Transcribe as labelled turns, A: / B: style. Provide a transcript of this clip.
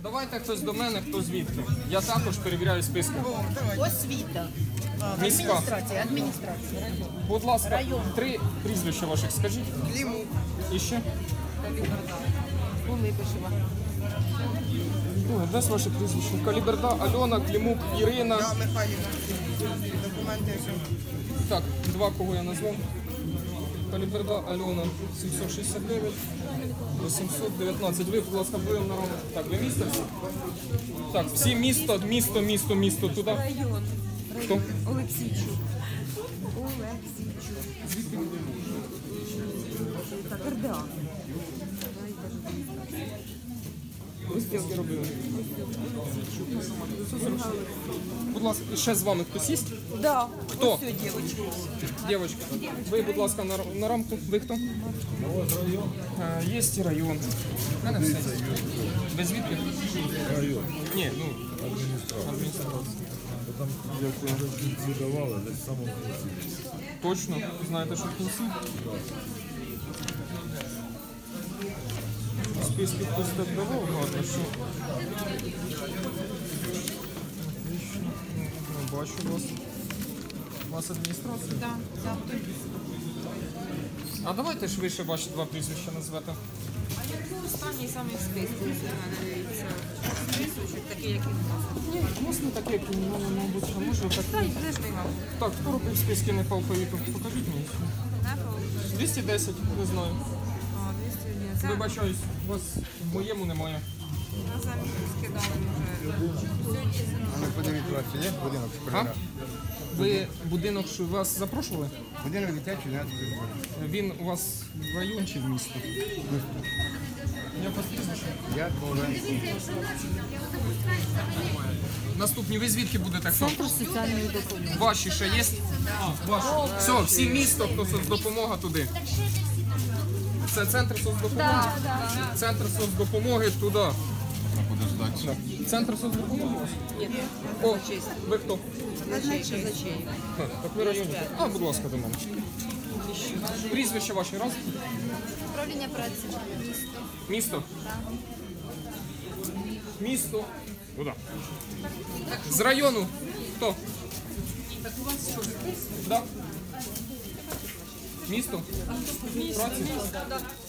A: Давайте хтось до мене, хто звідки. Я також перевіряю списки.
B: Освіта.
A: Міська.
B: Адміністрація.
A: Будь ласка, 3 прізвища ваших скажіть.
B: Кліму.
A: І ще?
B: Улипишева.
A: Ой, де ваше прізвище? Каліберда, Альона, Клімук, Ірина.
B: Михайлівна. Документи.
A: Так, 2 кого я назвав. Каліберда, Альона, 769, 819. Ви, будь ласка, будемо на рахунок. Так, ви місто? Так, всі місто, туди.
C: Район.
A: Хто?
C: Олексійчук.
A: Звідки ви?
C: Так, РДА.
A: Ви списки робили? Будь ласка, ще з вами хтось є?
C: Да.
A: Хто?
C: Ось ця дівчинка.
A: Дівчинка, ви, будь ласка, на рамку. Ви хто? Є і район. У мене все. Ви звідки?
D: Район.
A: Ні, ну,
D: Адміністрація. Там, як ви вже в кінці давали, десь в самому кінці.
A: точно. Знаєте, що в кінці? Списки хтось так давав, гарно, що. Отлично. Ну, бачу вас. У вас адміністрація?
B: Так, так.
A: А давайте ж ви ще ваші 2 прізвища назвете.
C: А який останній самий список у мене дивіться? Списочок такий, як і в нас.
A: Ні, у нас не таке, як у мене, мабуть, що може так.
C: Та й де ж ми вам?
A: Так, хто робив списки не по алфавіту? Покажіть мені.
C: Не було?
A: 210, не знаю.
C: А, 201. Це
A: Вибачаюсь, у вас в моєму немає.
C: на землю скидали вже. Сьогодні
E: Подивіться, у вас є будинок
A: А?
E: школяра?
A: Ви будинок, що вас запрошували?
E: Будинок дитячий, не
A: Він у вас в район чи в місто? Я вас прізвище.
E: Я Коваленський.
A: Наступні, ви звідки будете? Хто?
B: Центр соціальної допомоги.
A: Ваші ще є? А, ваші. Все, всі місто, хто соцдопомога туди. Це центр соцдопомоги? Центр соцдопомоги туди. Центр соцдопомоги у вас?
C: Ні,
A: О, ви хто?
C: казначей.
A: Так ви районі. А, будь ласка, до мене. Прізвище ваше раз?
F: Управління праці.
A: Місто? Місто. Куди? З району. Хто? Да. Місто? Праці?